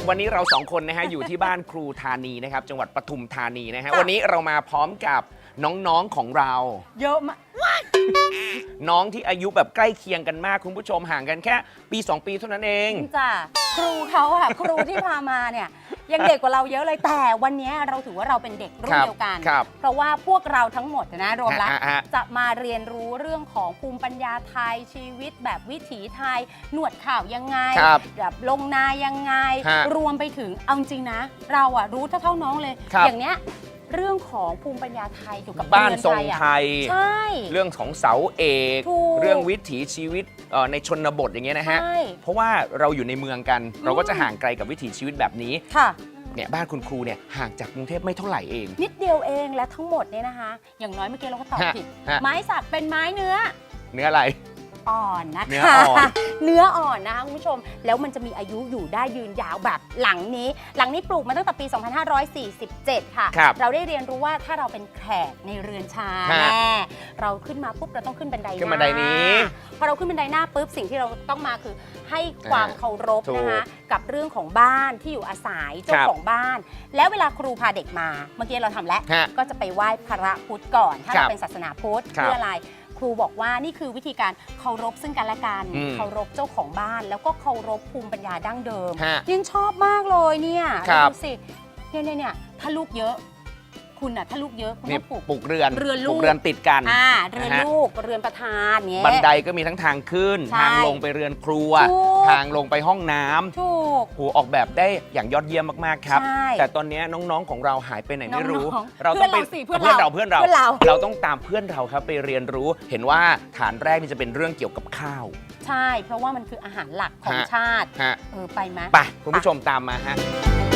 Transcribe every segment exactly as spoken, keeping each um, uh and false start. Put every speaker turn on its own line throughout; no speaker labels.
วันนี้เราสองคนนะฮะอยู่ที่บ้านครูธานีนะครับจังหวัดปทุมธานีนะฮะวันนี้เรามาพร้อมกับน้องๆของเรา
เยอะมาก
น้องที่อายุแบบใกล้เคียงกันมากคุณผู้ชมห่างกันแค่ปีสองปีเท่านั้นเอง
จ้ะครูเขาอะครูที่พามาเนี่ยยังเด็กกว่าเราเยอะเลยแต่วันนี้เราถือว่าเราเป็นเด็กรุ่นเดียวกัน เพราะว่าพวกเราทั้งหมดนะรวมแล้วจะมาเรียนรู้เรื่องของภูมิปัญญาไทยชีวิตแบบวิถีไทยหนวดข่าวยังไงแบบลงนายังไงรวมไปถึงเอาจริงนะเราอะรู้เท่าๆน้องเลยอย่างเนี้ยเรื่องของภูมิปัญญาไทยเกี่ยวกับ
บ้านทรงไทย
ใช่
เรื่องของเสาเอกเรื่องวิถีชีวิตในชนบทอย่างเงี้ยนะฮะเพราะว่าเราอยู่ในเมืองกันเราก็จะห่างไกลกับวิถีชีวิตแบบนี้
ค่ะ
เนี่ยบ้านคุณครูเนี่ยห่างจากกรุงเทพไม่เท่าไหร่เอง
นิดเดียวเองและทั้งหมดเนี่ยนะคะอย่างน้อยเมื่อกี้เราก็ตอบผิดไม้สักเป็นไม้เนื้อ
เนื้ออะไร
อ่อนนะคะ
เนื้ออ่อน
เนื้ออ่อนนะคะคุณผู้ชมแล้วมันจะมีอายุอยู่ได้ยืนยาวแบบหลังนี้หลังนี้ปลูกมาตั้งแต่ปี สองพันห้าร้อยสี่สิบเจ็ด ค่ะเราได้เรียนรู้ว่าถ้าเราเป็นแขกในเรือนชาแน่เราขึ้นมาปุ๊บเราต้องขึ้นบันไดหน้า
ขึ้นบันไดนี้
พอเราขึ้นบันไดหน้าปุ๊บสิ่งที่เราต้องมาคือให้ความเคารพนะคะกับเรื่องของบ้านที่อยู่อาศัยเจ้าของบ้านแล้วเวลาครูพาเด็กมาเมื่อกี้เราทำแล้วก็จะไปไหว้พระพุทธก่อนถ้าเราเป็นศาสนาพุทธเพื่ออะไรครูบอกว่านี่คือวิธีการเคารพซึ่งกันและกันเคารพเจ้าของบ้านแล้วก็เคารพภูมิปัญญาดั้งเดิมยังชอบมากเลยเนี่ยดูสิเนี่ยเนี่ยเนี่ยถ้าลูกเยอะคุณน่ะถ้าลูกเยอะคุณต้องปลูก
ปลูกเรือน
เรือนลูก
เรือนติดกัน
อ่าเรือนลูกเรือนประธานเนี้ย
บันไดก็มีทั้งทางขึ้นทางลงไปเรือนครัวทางลงไปห้องน้ำ
ถูก
โหออกแบบได้อย่างยอดเยี่ยมมากๆครับแต่ตอนนี้น้องๆของเราหายไปไหนไม่รู้
เราต้องไป
เพื่อนเราเพื่อนเราเราต้องตามเพื่อนเราครับไปเรียนรู้เห็นว่าฐานแรกนี่จะเป็นเรื่องเกี่ยวกับข้าว
ใช่เพราะว่ามันคืออาหารหลักของชาติเออไปไหม
ไปคุณผู้ชมตามมาฮะ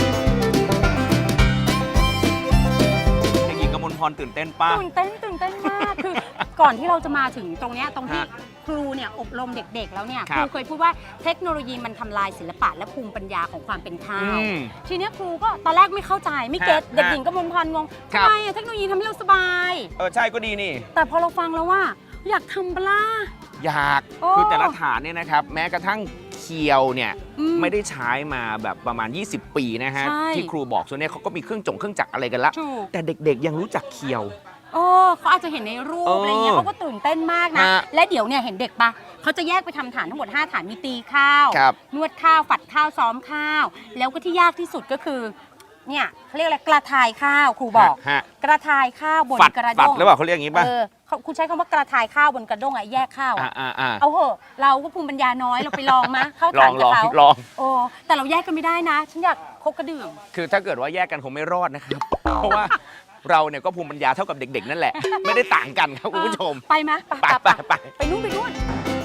พรตื่นเต้นป้า
ตื่นเต้นตื่นเต้นมากคือก่อนที่เราจะมาถึงตรงนี้ตรงที่ครูเนี่ยอบรมเด็กๆแล้วเนี่ยครูเคยพูดว่าเทคโนโลยีมันทำลายศิลปะและภูมิปัญญาของความเป็นข้าวทีนี้ครูก็ตอนแรกไม่เข้าใจไม่เก็ตเด็กหญิงกมลพรงงทำไมเทคโนโลยีทำให้เราสบาย
เออใช่ก็ดีนี่
แต่พอเราฟังแล้วว่าอยากทำปลา
อยากคือแต่ละฐานเนี่ยนะครับแม้กระทั่งเคียวเนี่ยไม่ได้ใช้มาแบบประมาณยี่สิบปีนะฮะที่ครูบอกส่วนนี้เขาก็มีเครื่องจงเครื่องจักรอะไรกันละแต่เด็กๆยังรู้จักเคียว
โอ้เขาอาจจะเห็นในรูปอะไรเงี้ยเขาก็ตื่นเต้นมากนะและเดี๋ยวเนี่ยเห็นเด็กปะเขาจะแยกไปทำฐานทั้งหมดห้าฐานมีตีข้าวนวดข้าวฝัดข้าวซ้อมข้าวแล้วก็ที่ยากที่สุดก็คือเนี่ยเขาเรียกอะไรกระทายข้าวครูบอกกระทายข้าวบนกระด้ง
หรือเปล่าเขาเรียกอย่างนี้ป่ะ
คุณใช้คำว่ากระทายข้าวบนกระด้งอะแยกข้าวเอาเหอะเราก็ภูมิปัญญาน้อยเราไปลองมะเข้าฐานกับเขา
ลอง
โอ้แต่เราแยกกันไม่ได้นะฉันอยากคบกระดื่ม
คือถ้าเกิดว่าแยกกันคงไม่รอดนะครับเพราะว่าเราเนี่ยก็ภูมิปัญญาเท่ากับเด็กๆนั่นแหละไม่ได้ต่างกันครับคุณผู้ชม
ไปไหม
ไปไปไป
ไปนู่นไปนู่น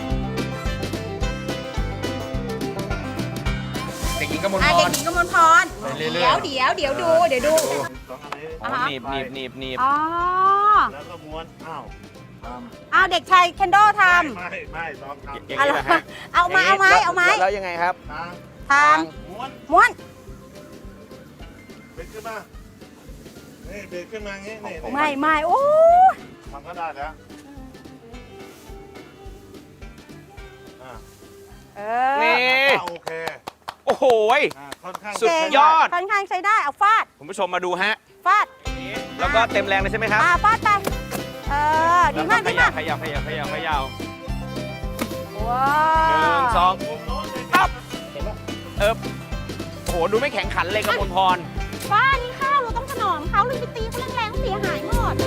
เด็กหญิงกมลพร
เด็กหญิงกมลพรเดี๋ยวเดี๋ยวเดี๋ยวดูเดี๋ยวดู
หนีบหนีบหนีบหนีบ
อ๋อ
แล้วก็ม้วนอ้าว
อ้าวเด็กชายเคนโดทำ
ไม่ไม่ลองทำ
อย่างนี้นะฮะ
เอามาเอาไม้เอาไม้
แล้วยังไงครับ
ทาง
ม้วน
ม้วน
เบรกขึ้นมานี่เบรกขึ้นมางี้นี่
ไม่ไม่โอ้
ทำก็ได้แล้ว
นี่
โอเค
โอ้โหสุดยอด
ค่อนข้างใช้ได้เอาฟาด
คุณผู้ชมมาดูฮะ
ฟาด
แล้วก็เต็มแรงเลยใช่ไหมครับ
อ่าฟาดไปเออดีมากดีมาก
ขยับขยับขยับขยับ
ว้า
วหนึ่งสองปั๊บเออโอ้โหดูไม่แข็งขันเลยกมลพร
ฟ้านี่ข้าวเราต้องถนอมเขาเลยไปตีเขาแรงๆเสียหายหมด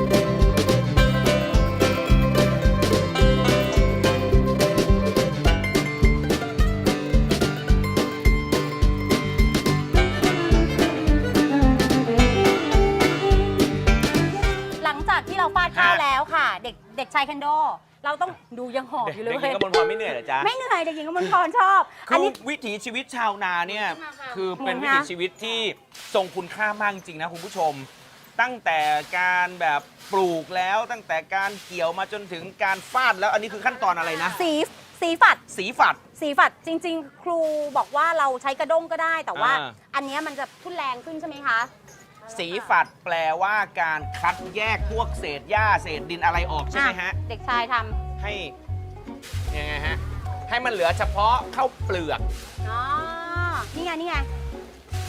หลังจากที่เราฟาดข้าวแล้วค่ะเด็กเด็กชายเคนโดเราต้องดูยังหอบอยู่เลย
เด็กหญิงกมลพรไม่เหนื่อยเหรอจ๊ะ
ไม่เหนื่อยเด็กหญิงกมลพรชอบ
อันนี้วิถีชีวิตชาวนาเนี่ยคือเป็นวิถีชีวิตที่ทรงคุณค่ามากจริงนะคุณผู้ชมตั้งแต่การแบบปลูกแล้วตั้งแต่การเกี่ยวมาจนถึงการฟาดแล้วอันนี้คือขั้นตอนอะไรนะ
สีสีฝัด
สีฝัด
สีฝัดจริงๆครูบอกว่าเราใช้กระด้งก็ได้แต่ว่าอันนี้มันจะทุ่นแรงขึ้นใช่ไหมคะ
สีฝัดแปลว่าการคัดแยกพวกเศษหญ้าเศษดินอะไรออกใช่ไหมฮะ
เด็กชายทำ
ให้ยังไงฮะให้มันเหลือเฉพาะข้าวเปลือก
อ๋อนี่ไงนี่ไง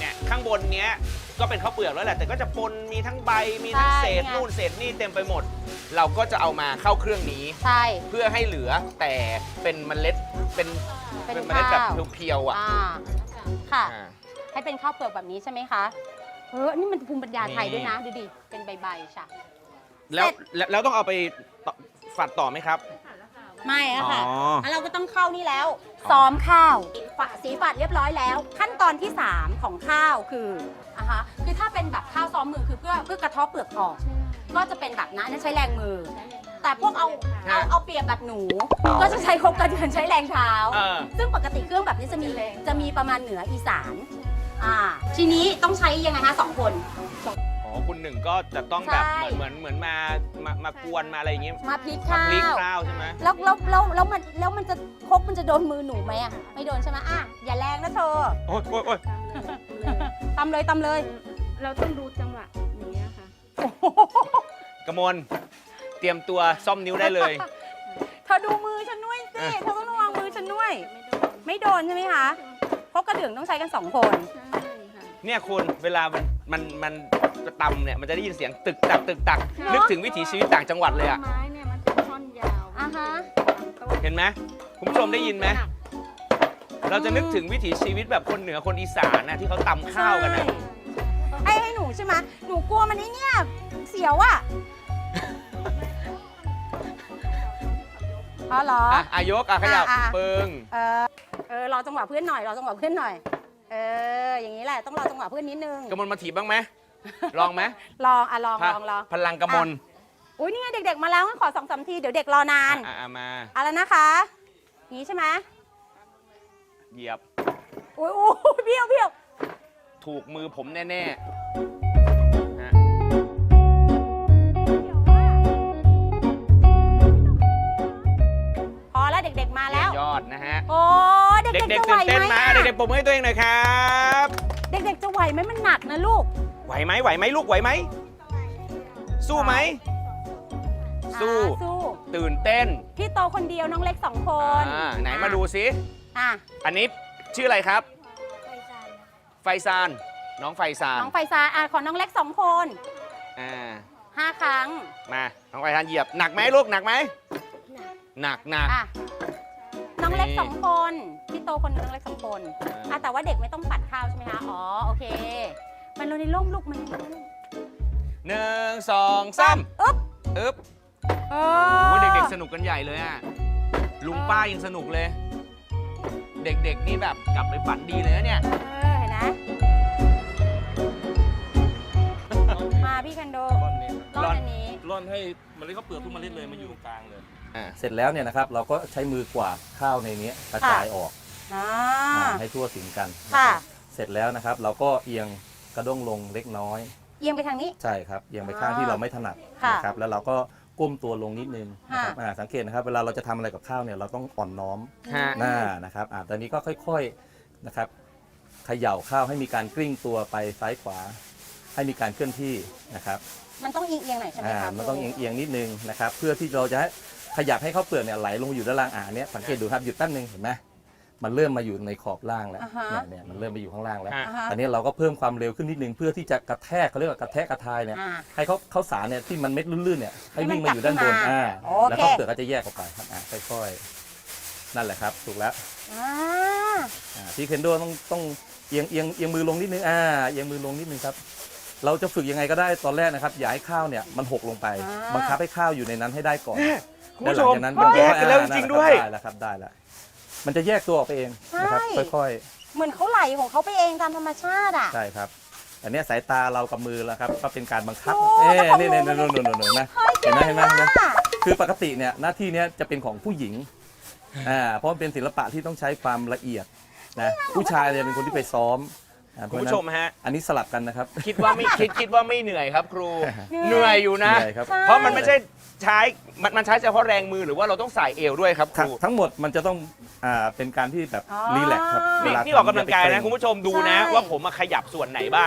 เนี่ยข้างบนเนี้ยก็เป็นข้าวเปลือกแล้วแหละแต่ก็จะปนมีทั้งใบมีทั้งเศษ
ใช่
นู่นเศษนี่เต็มไปหมด เราก็จะเอามาเข้าเครื่องนี้
ใช่
เพื่อให้เหลือแต่เป็นเมล็ดเป็น
เป็น
เป็นเมล็ดแบบ
ข้าว
เพียวๆอ่ะ
อ่าค่ะ
อ่า
ให้เป็นข้าวเปลือกแบบนี้ใช่ไหมคะเออนี่มันภูมิปัญญาไทย
นี่
ด้วยนะดูดิเป็นใบๆค่ะ
แล้วแล้วแล้วต้องเอาไปต่อฝัดต่อไหมครับ
ไม่อะค่ะ
อ๋อ
แล้วเราก็ต้องเข้านี่แล้ว ซ้อมข้าวฝะสีฝัดเรียบร้อยแล้ว ขั้นตอนที่ สาม ของข้าวคืออะฮะคือถ้าเป็นแบบข้าวซ้อมมือคือเพื่อเพื่อกระเทาะเปลือกออก ก็จะเป็นแบบนั้นใช้แรงมือ แต่พวกเอาเอาเอาเปรียบแบบหนู ก็จะใช้ครกกระเดือนใช้แรงเท้า
เออ
ซึ่งปกติเครื่องแบบนี้จะมีจะมีประมาณเหนืออีสานอ่าทีนี้ต้องใช้ยังไงคะสองคน
อ๋อคุณหนึ่งก็จะต้องแบบ
ใช่
เหมือนเหมือนเหมือนมามามากวนมาอะไรอย่างงี้
มาพลิก
มา
ข้า
พลิก
ว
ข้าวใช่ไหม
แล้วแล้วแล้วแล้วมันแล้วมันจะครกมันจะโดนมือหนูไหมอ่ะไม่โดนใช่ไหมอ่ะอย่าแรงนะเธอ
โอ๊ยโอ๊ยโอ๊ย
ตำเลยตำเลย
เราต้องดูจังหวะอย่างเงี้ยค่ะ
กมลเตรียมตัวซ่อมนิ้วได้เลย
เธอดูมือฉันด้วยสิ เธอต้องระวังมือฉันด้วย ไม่โดนใช่ไหมคะเพราะกระเดื่องต้องใช้กันสองคน
ใช่ค่ะ
เนี่ยคุณเวลามันมันมันตำเนี่ยมันจะได้ยินเสียงตึกตักตึกตักนึกถึงวิถีชีวิตต่างจังหวัดเลยอะ
ไม้เนี่ยมันเป็นท่อนยาว
อ่าฮะ
ต้น
เห็นไหมคุณผู้ชมได้ยินไหมเราจะนึกถึงวิถีชีวิตแบบคนเหนือคนอีสานนะที่เขาตำข้าวกันนะ
ไอ้ให้หนูใช่ไหมหนูกลัวมันไอ้เนี่ยเสียวอ่ะอ๋อเหรอ
อ่ะอายกอ่ะขยับ
อ่ะอ่ะ
ปึง
เออ เออ รอจังหวะเพื่อนหน่อย รอจังหวะเพื่อนหน่อย เออ อย่างนี้แหละ ต้องรอจังหวะเพื่อนนิดนึง
กมลมาถีบบ้างไหมลองไหม
ลอง อ่ะ ลอง ลองลอง
พลังกมล
อุ้ยนี่ไงเด็กๆมาแล้วงั้นขอสองสามที เดี๋ยวเด็กรอนาน
อ่ะอ่ะมา
เอะไรนะคะอย่างนี้ใช่ไหม
เหยียบ
อุ้ยอุ้ยเบี้ยวเบี้ยว
ถูกมือผมแน่ๆฮะ
พอแล้วเด็กๆมาแล้ว
ยอดนะฮะ
โอ้เด็ก
เด็ก
ๆ
ๆ
จะไหว
ตื่น
ไห
เต้น
ม
มา
อะ
เด็กๆปรบมือให้ตัวเองหน่อยครับ
เด็กๆจะไหวไหมมันหนักนะลูก
ไหวไหมไหวไหมลูกไหวไหมสู้ไหมสู้
อ่าสู้
ตื่นเต้น
พี่โตคนเดียวน้องเล็กสองคน
อ่าไหนมาดูซิ
อ่ะ
อันนี้ชื่ออะไรครับ ไฟซานน้องไฟซาน
น้องไฟซาอ่ะขอน้องเล็กสองคน
อ่า
ห้าครั้ง
มาน้องไฟซานเหยียบหนักไหมลูกหนักไหมหนักหนัก
อ่ะน้องเล็ก
นี่
สองคนพี่โตคนหนึงน้องเล็กสองคน
อ่า
อ่ะแต่ว่าเด็กไม่ต้องปัดข้าวใช่ไหมคะอ๋อโอเค มันลงในร่มลูกมันลงในร่ม
หนึ่งสองสาม
อึ๊บ
อึ๊บ
เอ
โอ้
อ
เด็กๆสนุกกันใหญ่เลยอ่ะลุงป้ายังสนุกเลย เด็กๆนี่แบบกลับไปฝันดีเลยนะเนี่ย
เออเห็นไหมมาพี่คันโด
ร่อนนี้
ร่อนอันนี้
ร่อนให้เมล็ดข้าวเปลือกทุกเมล็ดเลยมาอยู่ตรงกลางเลย
อ่า
เสร็จแล้วเนี่ยนะครับเราก็ใช้มือกวาดข้าวในนี้กระจายออก
อ่า
อ่าให้ทั่วถึงกันนะ
ค่ะ
ครับเสร็จแล้วนะครับเราก็เอียงกระด้งลงเล็กน้อย
เอียงไปทางนี้
ใช่ครับเอียงไปข้างที่เราไม่ถนัด
ค่ะ
นะครับแล้วเราก็ก้มตัวลงนิดนึงนะครับ
ค่ะ
อ่าสังเกตนะครับเวลาเราจะทำอะไรกับข้าวเนี่ยเราต้องอ่อนน้อม
ฮะ
หน้านะครับอ่าตอนนี้ก็ค่อยๆนะครับเขย่าข้าวให้มีการกลิ้งตัวไปซ้ายขวา ให้มีการเคลื่อนที่นะครับ
มันต้องเอียงเอียงๆหน่อยใช่ไหม
อ่า
คะ
มันต้องเอียงๆนิดนึงนะครับเพื่อที่เราจะให้ขยับให้ข้าวเปลือกเนี่ยไหลลงมาอยู่ด้านล่างอ่าเนี้ยสังเกตดูครับหยุดแป๊บนึงเห็นไหมมันเริ่มมาอยู่ในขอบล่างแล้ว
อ่าฮะ
เนี่ยเนี่ยมันเริ่มไปอยู่ข้างล่างแล้ว
ฮะ
อ่าฮะ
ตอนนี้เราก็เพิ่มความเร็วขึ้นนิดนึงเพื่อที่จะกระแทกเขาเรียกว่ากระแทกกระทายเนี่ย
อ่า
ให้เขาเขาสารเนี่ยที่มันเม็ดลื่นๆเนี่ยให้
ให้มัน
วิ่งมาอยู่ด้านบน
กลับขึ้นมา
อ่า
โอเค
แล้วข้าวเปลือกก็จะแยกออกไปครับอ่าค่อยๆนั่นแหละครับถูกแล้ว
อ่า
อ่าพี่เคนโดต้องต้องเอียงเอียงเอียงมือลงนิดนึงอ่าเอียงมือลงนิดนึงครับเราจะฝึกยังไงก็ได้ตอนแรกนะครับอย่าให้ข้าวเนี่ยมันหกลงไป บังคับให้ข้าวอยู่ในนั้นให้ได้ก่อน
คุณผู้ชม
ด้านหลังจากนั้น
มันแยกกันแล้วจ
อ่า
ริงๆด้วย
ได้แล้วครับได้แล้วมันจะแยกตัวออกไปเองนะครับ
ใช่
ค่อย
เหมือนเขาไหลของเขาไปเองตามธรรมชาติอ่ะ
ๆใช่ครับอันเนี้ยสายตาเรากับมือแล้วครับก็เป็นการบังคับ
โอ้
เอ๊ะ
แล้วของ
นี่
หนู
นี่นี่นู่นนู่นนู่นนะ
เฮ้ย
เห็นไหมเห็นไหมเห็นไหม
ก่งอะ
คือปกติเนี่ยหน้าที่เนี้ยจะเป็นของผู้หญิงอ่าเพราะมันเป็นศิลปะที่ต้องใช้ความละเอียดนะผู้ชายเนี่ยเป็นคนที่ไปซ้อมอ่าเพ
คุณ
ราะฉะ
ผู้ช
นั้น
มฮะ
อันนี้สลับกันนะครับ
คิดว่าไม่คิดคิดว่าไม่เหนื่อยครับครู เหนื่อยอยู่นะ
เหนื่อยครับ
เพราะมันไม่ใช่ใช้มันมันใช้เฉพาะแรงมือหรือว่าเราต้องใส่เอวด้วยครับค
ทั้ง
รู
ทั้งหมดมันจะต้องอ่าเป็นการที่แบบ
อ๋อ
รีแลกซ์ครับเว
นี่
ลา
นี่ออกกำลังกาย
ทำอย่
นะ
ไป
คุณผู้ชมดูนะ
ใช่
ว่าผมมาขยับส่วนไหนบ้าง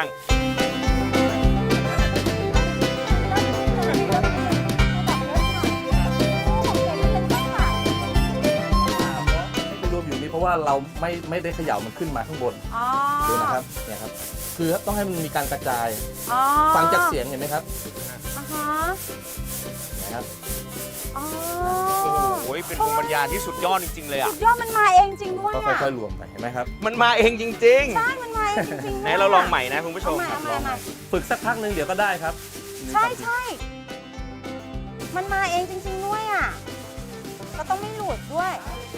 ให้ไปรวมอยู่นี่เพราะว่าเราไม่ไม่ได้เขย่ามันขึ้นมาข้างบน
อ๋อ
ดูนะครับเนี่ยครับคือต้องให้มันมีการกระจาย
อ๋อ
ฟังจากเสียงเห็นไหมครับ
อ่าฮะ
นะครับ
อ๋อ
โอ้โหเป็นภูมิปัญญาที่สุดยอดจริงๆเลยอ่ะ
สุดยอดมันมาเองจริงด้วย
ก็
อ่ะ
ค่อยๆรวมไปเห็นไหมครับ
มันมาเองจริง
ใช่มันมาเองจริงๆ
ๆ
ด้
ไหน
วย
เราลองใหม่นะคุณผู้ช
เอา
ม
ใหม่เอาใหม่เอาใหม่
ฝึกสักพักหนึ่งเดี๋ยวก็ได้ครับ
ใช่ใช่มันมาเองจริงๆด้วยอ่ะเราต้องไม่หลุดด้วย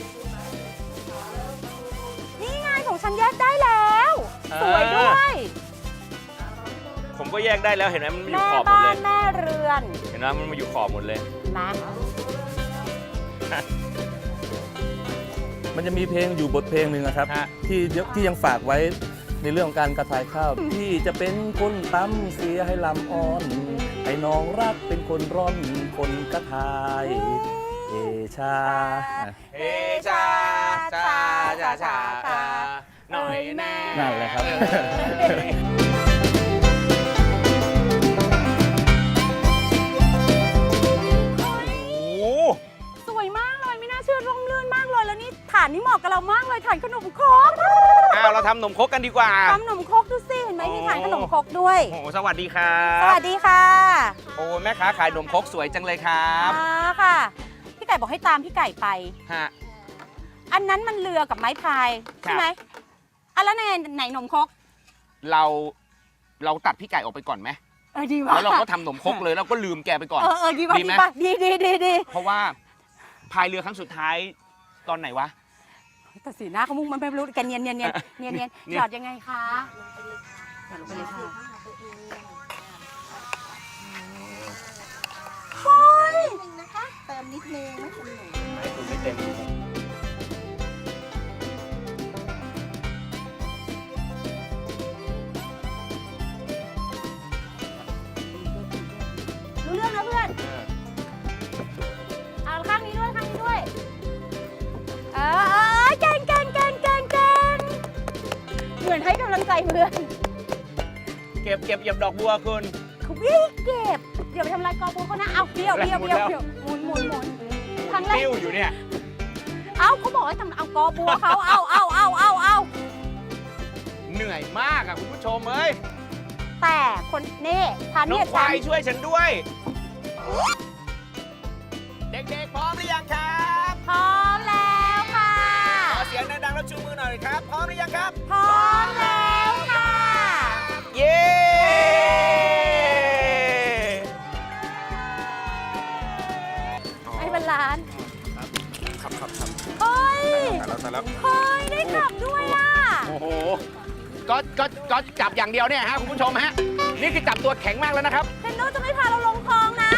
นี่ไงของฉันแยกได้แล้ว สวยด้วย
ผมก็แยกได้แล้วเห็นไหมมันมาอยู่
แม่
ขอบหมด
บ้า
เล
น
ย
แม่เรือน
เห็นไหมมันมาอยู่ขอบหมดเลย
มา
มันจะมีเพลงอยู่บทเพลงหนึ่งนะครับ
ฮะ
ที่ที่ยังฝากไว้ในเรื่องของการกระทายข้าว ที่จะเป็นคนตำเสียให้ลำอ่อน ให้น้องรักเป็นคนร่อนคนกระทายเอชาอ่ะ
เฮชาชาชาชาชาหน่อยแน่
นั่นแหละครับ
โอ้โห
สวยมากเลยไม่น่าเชื่อร่มรื่นมากเลยแล้วนี่ฐานนี่เหมาะกับเรามากเลยฐานขนมครก
อ้าวเราทำขนมครกกันดีกว่า
ทำขนมครกดูสิเห็นไหมมีฐานขนมครกด้วย
โอ้โหสวัสดีครั
ส
บ
วัสดีค่ะ
โอ้แม่ค้าขายขนมครกสวยจังเลยครับ
อ่าค่ะ พี่ไก่บอกให้ตามพี่ไก่ไป
ฮะ
อันนั้นมันเรือกับไม้พาย
ครับ
ใช่ไหมอันแล้วไหนไหนขนมครก
เราเราตัดพี่ไก่ออกไปก่อนไหม
เออดีว่ะ
แล้วเราก็ทำขนมครกเลยแล้วก็ลืมแกไปก่อน
เออเออดีว่ะ
ดี
ดี
ไหม
ป่ะดีดีดีดี
เพราะว่าพายเรือครั้งสุดท้ายตอนไหนวะ
แต่สีหน้าเขามุ่งมันไม่รู้แกเนียนเนียนเนียนเนียนเนียน
เนียน
หยอดยังไงคะหยอดลงไปเลยค่ะโอ้ย
นิดนึงนะคะ เติมนิดนึงไม่เป็นหนู
ไม่คุณไม่เต็ม
รู้เรื่องนะเพื่อนเอาข้างนี้ด้วยข้างนี้ด้วยเออเออเก่งเก่งเก่งเก่งเก่งเหมือนให้กำลังใจเพื่อน
เก็บเก็บเหยียบดอกบัวคุณ
เขาวิ่งเก็บเดี๋ยวไปทำลายกอบัวเขานะเอาเบี้ยวเบี้ยวเบี้ยวเบี้ยวหมุนหมุนหมุนครั้งแรก
ติ้วอยู่เนี่ย
เอาเขาบอกให้ทำเอากอบัวเขาเอาเอาเอาเอาเอา
เหนื่อยมากอ่ะคุณผู้ชมเอ้ย
แต่คนนี่ทัน
น้อ
เนี่
ง
ย
ควา
ฉัน
ยช่วยฉันด้วย เด็กๆพร้อมหรือยังครับ
พร้อมแล้วค่ะ
ขอเสียงดังๆแล้วชูมือหน่อยครับพร้อมหรือยังครับ
พร้อมแล้วค่ะ
เย้
ไอ้บรรลาน
ครับครับครับ
เฮ้ย
แล้วแต่แล้ว
เฮ้ยได้ขับด้วยอ่ะ
โอ้โหก็ก็ก็จับอย่างเดียวเนี่ยฮะคุณผู้ชมฮะนี่คือจับตัวแข็งมากแล้วนะครับ
เทนโดจะไม่พาเราลงคลองนะ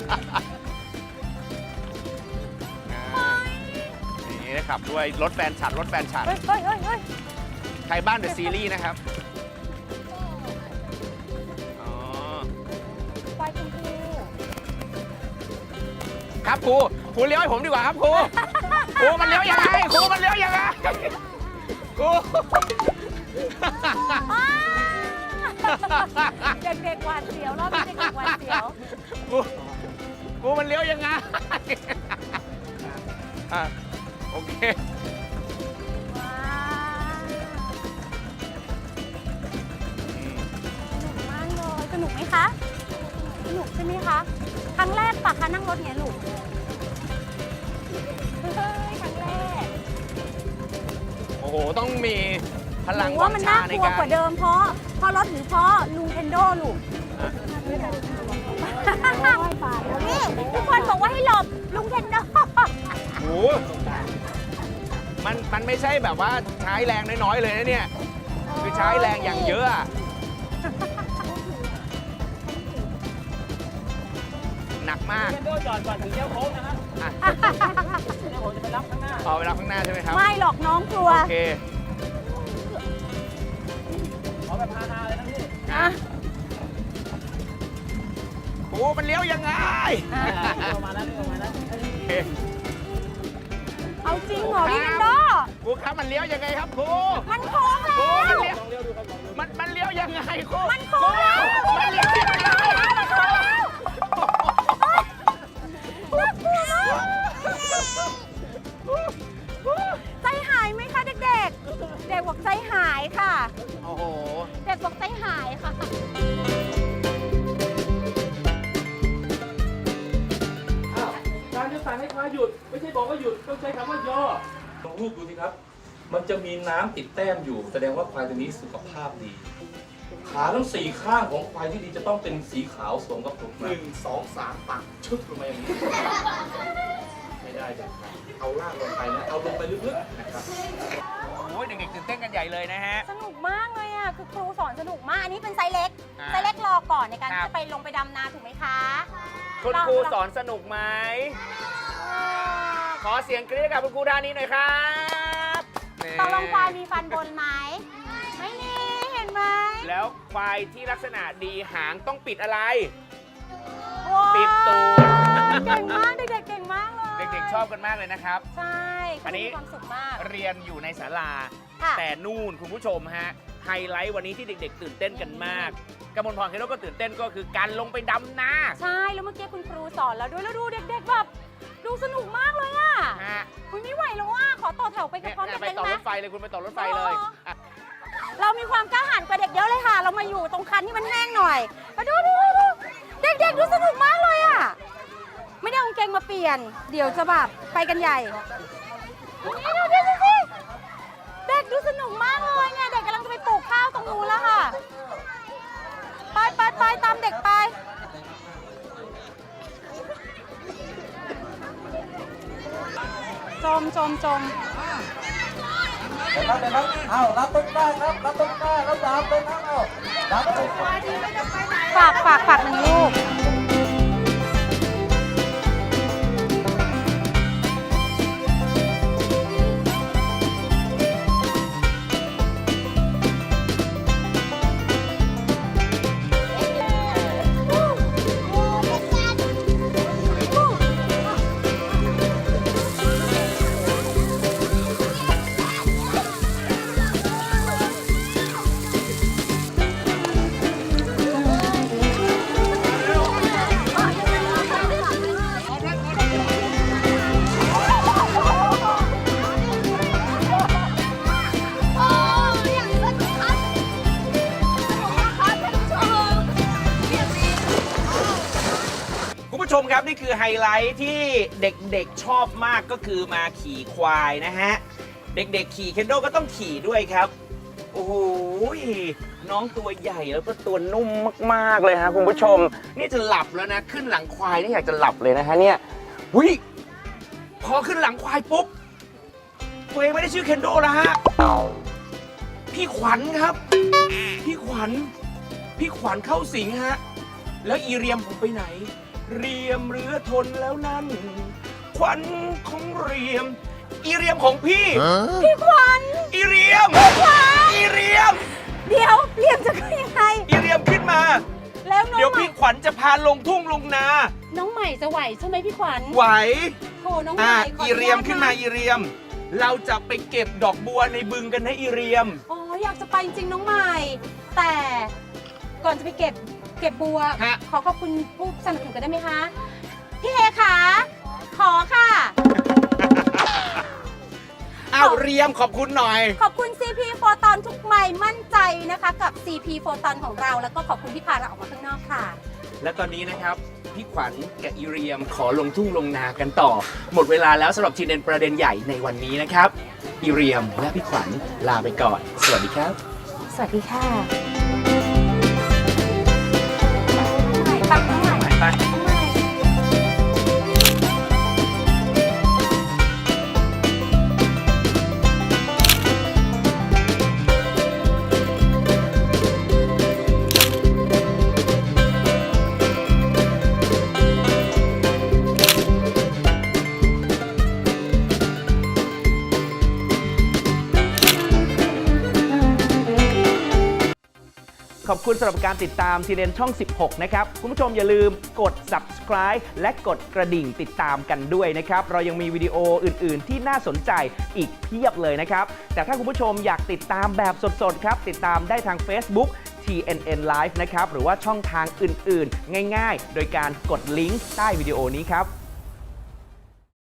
นี่นะครับด้วยรถแฟนฉัดรถแฟนฉัด
เฮ้ยเฮ้ยเฮ้ยเฮ้ย
ไทยบ้านเดอะซีรีส์นะครับอ๋อ
ควายชมพู
ครับครูครูเลี้ยวให้ผมดีกว่าครับครูครูมันเลี้ยวยังไงครูมันเลี้ยวยังไงครู
อ้าเด็กๆหวาดเสียวรอบนี้เด็กๆหวาดเสียว
ครูครูมันเลี้ยวยังไงอ่ะโอเค
ว้าวสนุกมากเลยสนุกไหมคะ สนุกใช่ไหมคะ ครั้งแรกปะคะนั่งรถไงลูก เฮ้ย ครั้งแรก
โอ้โหต้องมีพลัง
หนู
วั
ว่าง มัน
ชา
น่า
ใน
กลัว
การ
กว่าเดิมเพราะเพราะรถหรือเพราะลุงเทนโดลูกนี่ทุกคนบอกว่าให้หลบลุงเทนโด
โอ้โหมันมันไม่ใช่แบบว่าใช้แรงน้อยๆเลยนะเนี่ย คือใช้แรงอย่างเยอะอะหนักมาก
เทนโดจอดก่อนถึงเลี้ยวโค้งนะครับ
อ่ะ
เดี๋ยวผมจะไปรับข้างหน้า
เอาเวลาข้างหน้าใช่ไหมครับ
ไม่หรอกน้องกลัว
โอเค
ขอแบบฮาๆเลยนะพี่
อ่ะ
โอ้มันเลี้ยวยังไง
อ่ะ
ออกมาแล้วออกมาแล้ว
โอเค
เอาจริงเหรอพี่เทนโด
ครูครับมันเลี้ยวยังไงครับครู
มันโค้ง
ครู
แล้
มัน
ว
เลี้ยว
ลองเลี้ยวดูครับลองเลี้ยว
มันมันเลี้ยวยังไงครู
มันโค้งแล้ว
มันเลี้ยวยังไง
มันโค้งแล้วน่ากลัวมากใจหายไหมคะเด็กๆ เด็กบอกใจหายค่ะ
โอ้โห
เด็กพวกใจหายค่ะ
อ้าวการจะสั่งให้ควายหยุด ไม่ใช่บอกว่าหยุดต้องใช้คำว่าย่อลองรูปดูสิครับ มันจะมีน้ำติดแต้มอยู่ แสดงว่าควายตัวนี้สุขภาพดี ขาทั้งสี่ข้างของควายที่ดีจะต้องเป็นสีขาวสวมกับผมหนึ่งสองสามปักชึบลงมาอย่างนี้ ไม่ได้เลยครับเอาล่างลงไปนะ เอาลงไปลึกๆนะครับ
โอ้ยเด็กๆตื่นเต้นกันใหญ่เลยนะฮะ
สนุกมากเลยอ่ะ คือครูสอนสนุกมาก อันนี้เป็นไซส์เล็ก
อ่า
ไซส์เล็กรอก่อนในการ
ครั
ที่
บ
จะไปลงไปดำนาถูกไหมคะ
คุณครูสอนสนุกไหม ขอเสียงกรี๊ดกับคุณครูด้านนี้หน่อยครับนี่
ตกลงควายมีฟันบนไหม ไม่มี เห็นไหม
แล้วควายที่ลักษณะดีหางต้องปิดอะไร
ว้าว
ปิดตูด
เก่งมาก เด็กๆเก่งมากเลย
เด็กๆชอบกันมากเลยนะครับ
ใช่
อันนี้
เขามีความสุขมาก
เรียนอยู่ในศาลา
ค่ะ
แต่นู่นคุณผู้ชมฮะ ไฮไลท์วันนี้ที่เด็กๆ ตื่นเต้นกันมากกมลพรเคโรก็ตื่นเต้นก็คือการลงไปดำนา
ใช่ แล้วเมื่อกี้คุณครูสอนแล้วด้วย แล้วดูเด็กๆแบบดูสนุกมากเลยอ่ะ
ฮะ
คุณไม่ไหวแล้วอ่ะ ขอต่อแถวไปกับ
เนี่ย
พร้อม
เนี่ย
กัน
ไป
เลย
ต่อ
ไหม
รถไฟเลยคุณไปต่อรถไฟเลยอ่ะ
เรามีความกล้าหาญกว่าเด็กเยอะเลยค่ะ เรามาอยู่ตรงคันที่มันแห้งหน่อยมาดูดูดูเด็กๆดูสนุกมากเลยอ่ะ ไม่ได้เอากางเกงมาเปลี่ยน เดี๋ยวจะแบบไปกันใหญ่นี่ดูดิดูดิเด็กดูสนุกมากเลยเนี่ย เด็กกำลังจะไปปลูกข้าวตรงนู้นแล้วค่ะ ไปไปไปตามเด็กไป จมจมจม
เดี๋ยวครับเดี๋ยวครับเอารับต้นกล้าครับรับต้นกล้าแล้วดาบเลยครับเอารับต้นกล้า
ฝากฝากฝากหนึ่งลูก
คุณผู้ชมครับนี่คือไฮไลท์ที่เด็กๆชอบมากก็คือมาขี่ควายนะฮะ เด็กๆขี่เคนโดก็ต้องขี่ด้วยครับ โอ้โหน้องตัวใหญ่แล้วก็ตัวนุ่มมากๆเลยฮะคุณผู้ชม นี่จะหลับแล้วนะ ขึ้นหลังควายนี่อยากจะหลับเลยนะฮะเนี่ยวิพอขึ้นหลังควายปุ๊บตัวเองไม่ได้ชื่อเคนโดแล้วฮะพี่ขวัญครับ พี่ขวัญพี่ขวัญเข้าสิงฮะแล้วอีเรียมผมไปไหน เรียมเรือทนแล้วนั่นขวัญของเรียม อีเรียมของพี่
พี่ขวัญ
อีเรียมอีเรียม
เดี๋ยวเรียมจะขึ้นยังไง
อีเรียมขึ้นมา
แล้วน้อง
เดี๋ยว
ใหม่
พี่ขวัญจะพาลงทุ่งลงนา
น้องใหม่จะไหวใช่ไหมพี่ขวัญ
ไหว
โถน้องให
อ่ะ
ม่ขอ
อี
อนุ
เรีย
ญาม ต
ขึ้นมา
นะ
อีเรียม เราจะไปเก็บดอกบัวในบึงกันนะอีเรียม
อ๋ออยากจะไปจริงๆน้องใหม่ แต่ก่อนจะไปเก็บเก็บบัว
ฮะ
ขอขอบคุณผู้สนับสนุนกันได้ไหมคะพี่เอคะขอค่ะ
อ้าวเรียมขอบคุณหน่อย
ขอบคุณ ซี พี โฟตอนทุกใหม่มั่นใจนะคะ กับ ซี พี โฟตอนของเรา แล้วก็ขอบคุณที่พาเราออกมาข้างนอกค่ะ
และตอนนี้นะครับ พี่ขวัญกับอีเรียมขอลงทุ่งลงนากันต่อ หมดเวลาแล้วสำหรับทีเด็ดประเด็นใหญ่ในวันนี้นะครับ อีเรียมและพี่ขวัญลาไปก่อน สวัสดีครับ
สวัสดีค่ะน้องใหม่ปักน้องใหม่
ไป
น้องใหม่
ขอบคุณสำหรับการติดตามทีเด็นช่อง สิบหก นะครับ คุณผู้ชมอย่าลืมกด subscribe และกดกระดิ่งติดตามกันด้วยนะครับ เรายังมีวิดีโออื่น ๆ ที่น่าสนใจอีกเพียบเลยนะครับ แต่ถ้าคุณผู้ชมอยากติดตามแบบสด ๆ ครับ ติดตามได้ทาง Facebook ที เอ็น เอ็น Live นะครับ หรือว่าช่องทางอื่น ๆ ง่าย ๆ โดยการกดลิงก์ใต้วิดีโอนี้ครับ